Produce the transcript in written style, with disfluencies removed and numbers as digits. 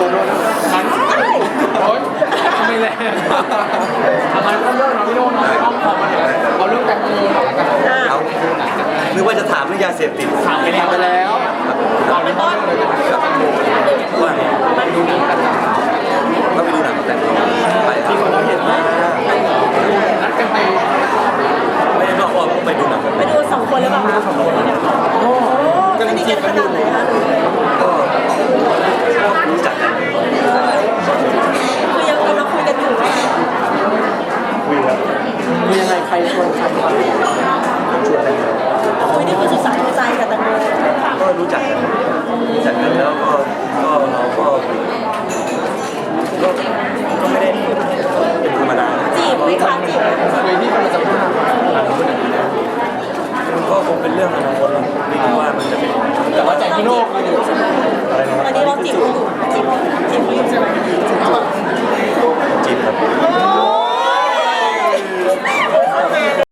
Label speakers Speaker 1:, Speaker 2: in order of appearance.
Speaker 1: โอ๊ยทำไมแรงทำไมต้องเรื่องน้องพี่โน่น้องไม่ต้องขอมาเลยเอาเรื่องแตงโมก่อนละกัน
Speaker 2: เอานึกว่าจะถามเรื่องยาเสพติด
Speaker 1: ถามไปแล้วเอาเรื่องเลย